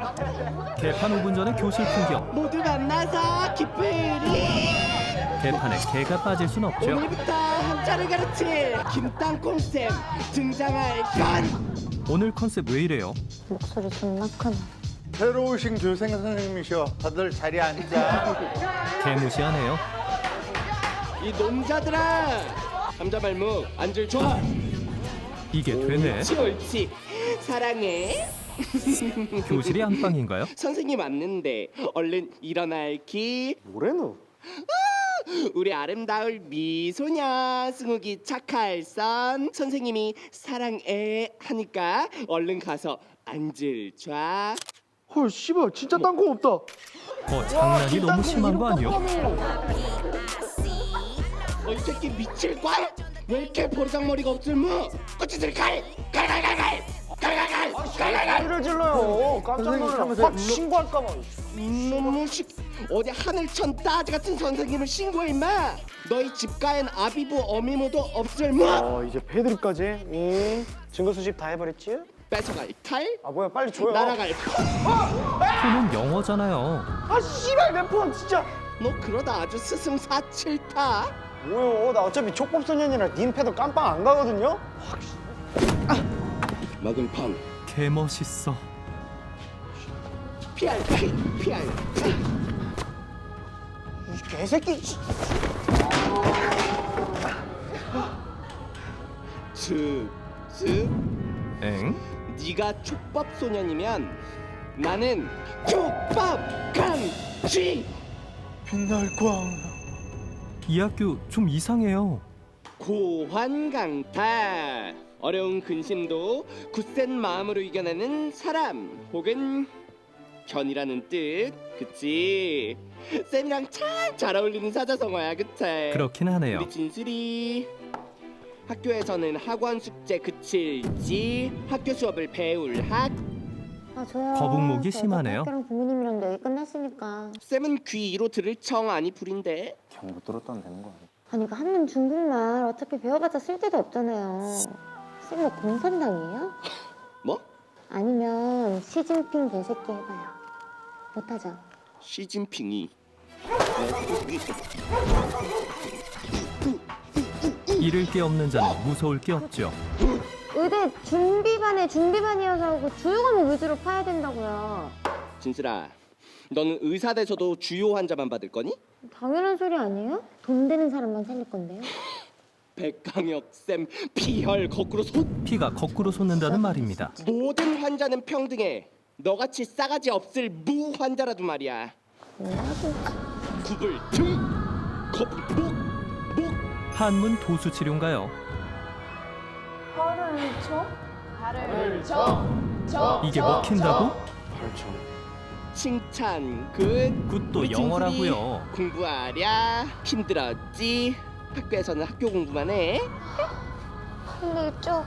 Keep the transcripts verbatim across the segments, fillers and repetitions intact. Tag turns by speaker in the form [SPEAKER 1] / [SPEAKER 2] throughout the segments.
[SPEAKER 1] 개판 오 분 전의 교실 풍경.
[SPEAKER 2] 모두 만나서 기쁘리.
[SPEAKER 1] 개판에 개가 빠질 순 없죠.
[SPEAKER 2] 오늘부터 한자를 가르칠 김땅콩쌤 등장할 건.
[SPEAKER 1] 오늘 컨셉 왜 이래요?
[SPEAKER 3] 목소리 존나 크네.
[SPEAKER 4] 새로 오신 교생 선생님이셔. 다들 자리에 앉아.
[SPEAKER 1] 개무시하네요.
[SPEAKER 2] 이 놈자들아, 감자발목 앉을 줘.
[SPEAKER 1] 이게 되네.
[SPEAKER 2] 옳지 옳지. 사랑해.
[SPEAKER 1] 교실이 안방인가요?
[SPEAKER 2] 선생님 왔는데 얼른 일어날기.
[SPEAKER 4] 뭐래 너?
[SPEAKER 2] 우리 아름다울 미소녀 승욱이 착할선. 선생님이 사랑해 하니까 얼른 가서 앉을 줘.
[SPEAKER 4] 헐 씨발 진짜 땅콩 없다.
[SPEAKER 1] 어, 장난이 너무 심한 거 아니요?
[SPEAKER 2] 어, 이 새끼 미칠걸? 왜 이렇게 보르장머리가 없을무? 꼬치들 갈! 갈갈갈갈! 갈갈갈! 갈갈갈!
[SPEAKER 4] 소리를 질러요. 깜짝 놀라서 확 신고할까 봐.
[SPEAKER 2] 이놈의 식 어디 하늘천 따지 같은 선생님을 신고해 임마. 너희 집가엔 아비부 어미모도 없을무.
[SPEAKER 4] 어 이제 패드립까지. 응. 증거 수집 다 해버렸지?
[SPEAKER 2] 뺏어갈 칼,
[SPEAKER 4] 아 뭐야 빨리 줘요.
[SPEAKER 2] 날아갈 폰.
[SPEAKER 1] 폰은 영어잖아요.
[SPEAKER 4] 아 씨발 내 폰 진짜.
[SPEAKER 2] 너 그러다 아주 스승사칠타.
[SPEAKER 4] 뭐요? 나 어차피 촉법소년이라 닌 패드 깜빵 안 가거든요.
[SPEAKER 2] 먹은 펑
[SPEAKER 1] 개 멋있어.
[SPEAKER 2] 피할 피 피할 피.
[SPEAKER 4] 이 개새끼. 씨.
[SPEAKER 2] 슥슥.
[SPEAKER 1] 엥?
[SPEAKER 2] 네가 촉법 소년이면 나는 촉법 강쥐.
[SPEAKER 4] 빛날 광.
[SPEAKER 1] 이 학교 좀 이상해요.
[SPEAKER 2] 고환강타. 어려운 근심도 굳센 마음으로 이겨내는 사람 혹은 견이라는 뜻. 그치? 쌤이랑 참 잘 어울리는 사자성어야. 그치?
[SPEAKER 1] 그렇긴 하네요.
[SPEAKER 2] 우리 진슬이 학교에서는 학원 숙제 그칠지 학교 수업을 배울 학.
[SPEAKER 3] 아 저요.
[SPEAKER 1] 거북목이
[SPEAKER 3] 저
[SPEAKER 1] 심하네요.
[SPEAKER 3] 학교랑 부모님이랑 얘기 끝났으니까.
[SPEAKER 2] 쌤은 귀 이로 들을 청 아니 불인데.
[SPEAKER 4] 그냥 못 들었다면 되는 거 아니야?
[SPEAKER 3] 아니 이거 한문 중국말 어차피 배워봤자 쓸데도 없잖아요. 쌤 뭐 공산당이에요?
[SPEAKER 2] 뭐?
[SPEAKER 3] 아니면 시진핑 개새끼 해봐요. 못하죠?
[SPEAKER 2] 시진핑이.
[SPEAKER 1] 잃을 게 없는 자는 무서울 게 없죠.
[SPEAKER 3] 의대 준비반에 준비반이어서 하고 주요과목 위주로 파야 된다고요.
[SPEAKER 2] 진슬아, 너는 의사 돼서도 주요 환자만 받을 거니?
[SPEAKER 3] 당연한 소리 아니에요? 돈 되는 사람만 살릴 건데요.
[SPEAKER 2] 백강혁 쌤 피혈 거꾸로 솟.
[SPEAKER 1] 피가 거꾸로 솟는다는 말입니다.
[SPEAKER 2] 모든 환자는 평등해. 너같이 싸가지 없을 무 환자라도 말이야.
[SPEAKER 3] 뭐야 진짜.
[SPEAKER 2] 구불 등, 거북 목, 목.
[SPEAKER 1] 한문 도수 치료인가요?
[SPEAKER 5] 발을 쳐? 발을 쳐. 쳐.
[SPEAKER 1] 이게 먹힌다고?
[SPEAKER 4] 발전.
[SPEAKER 2] 칭찬 굿.
[SPEAKER 1] 굿도
[SPEAKER 2] 우리
[SPEAKER 1] 영어라고요.
[SPEAKER 2] 진슬이 공부하랴. 힘들었지? 학교에서는 학교 공부만 해.
[SPEAKER 3] 근데 이쪽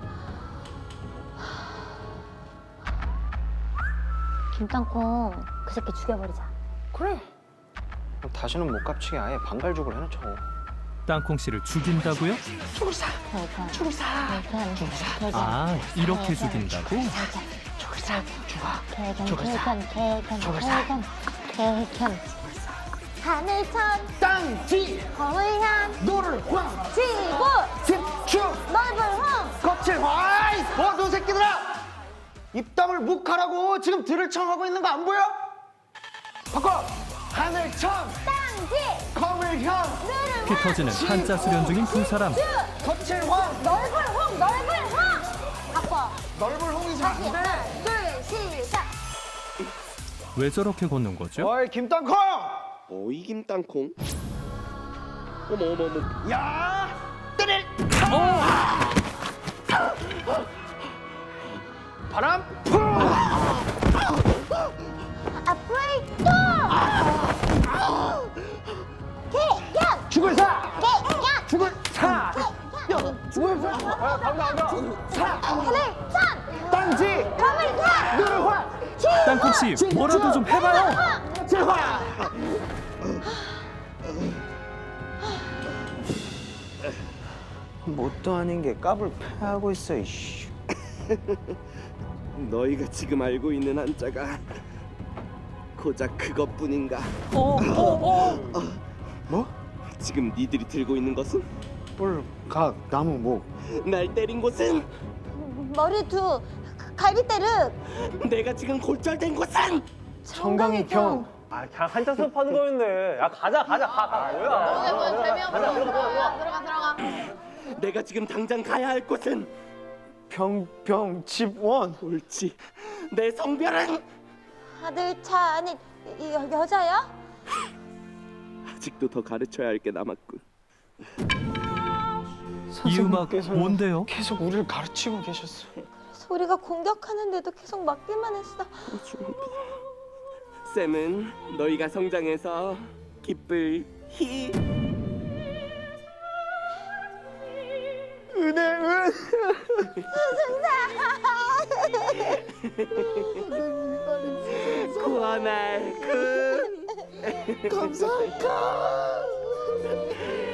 [SPEAKER 3] 김땅콩 그 새끼 죽여버리자.
[SPEAKER 4] 그래. 그럼 다시는 못 갚치게 아예 반갈죽을 해놓죠.
[SPEAKER 1] 땅콩 씨를 죽인다고요?
[SPEAKER 3] 죽을사. 죽을사.
[SPEAKER 1] 아, 이렇게 죽인다고?
[SPEAKER 3] 죽을사. 죽어. 개견 개견 개견 개견 개견. 하늘천
[SPEAKER 4] 땅지
[SPEAKER 3] 거울향
[SPEAKER 4] 노를 황
[SPEAKER 3] 지구
[SPEAKER 4] 집중
[SPEAKER 3] 넓은 홍.
[SPEAKER 4] 거칠 화이 모두 새끼들아 입담을 묵하라고 지금 들을 청하고 있는 거 안 보여? 바꿔 하늘천
[SPEAKER 3] 땅지
[SPEAKER 4] 거울향
[SPEAKER 1] 피 터지는 한자 수련 중인 두 사람.
[SPEAKER 4] 거칠 황
[SPEAKER 3] 넓은 홍 넓은 홍. 바꿔.
[SPEAKER 4] 넓은 홍이지
[SPEAKER 3] 다시 하나 둘 시작.
[SPEAKER 1] 왜 저렇게 걷는 거죠?
[SPEAKER 4] 어이 김땅콩
[SPEAKER 2] 어이 김땅콩. 어머 어머 어머.
[SPEAKER 4] 야 때릴 바람 풀
[SPEAKER 3] 앞으로 또. 개견
[SPEAKER 4] 죽을 사
[SPEAKER 3] 개견
[SPEAKER 4] 죽을 사 죽을 사 아, 간다 간다 사
[SPEAKER 3] 하늘천
[SPEAKER 4] 땅지
[SPEAKER 3] 거울향
[SPEAKER 4] 노를 황
[SPEAKER 1] 땅콩 씨, 뭐라도 좀 해봐요.
[SPEAKER 4] 제화 뭣도 아닌 게 깝을 패하고 있어 이씨.
[SPEAKER 2] 너희가 지금 알고 있는 한자가 고작 그것뿐인가?
[SPEAKER 1] 어, 어, 어.
[SPEAKER 4] 뭐?
[SPEAKER 2] 지금 니들이 들고 있는 것은?
[SPEAKER 4] 뿔, 각, 나무, 목.
[SPEAKER 2] 날 때린 곳은?
[SPEAKER 3] 머리두, 갈비대르,
[SPEAKER 2] 내가 지금 골절된 곳은?
[SPEAKER 4] 청강이평.
[SPEAKER 6] 아, 그냥 한자 수업하는 거였네. 야, 가자, 가자, 가, 가. 뭐야?
[SPEAKER 5] 뭐야 뭐야 재미없어. 들어가 들어가 들어가.
[SPEAKER 2] 내가 지금 당장 가야 할 곳은?
[SPEAKER 4] 병, 병, 집, 원.
[SPEAKER 2] 옳지. 내 성별은?
[SPEAKER 3] 아들 차 아니 이- 여, 여자야?
[SPEAKER 2] 아직도 더 가르쳐야 할 게 남았군.
[SPEAKER 1] 이 음악
[SPEAKER 4] 선생님께서는
[SPEAKER 1] 뭔데요?
[SPEAKER 4] 계속 우리를 가르치고 계셨어.
[SPEAKER 3] 소리가 공격하는데도 계속 막기만 했어.
[SPEAKER 2] 쌤은 너희가 성장해서 기쁠 히
[SPEAKER 4] 은혜, 은.
[SPEAKER 2] 구원할 그
[SPEAKER 4] 감사합니다.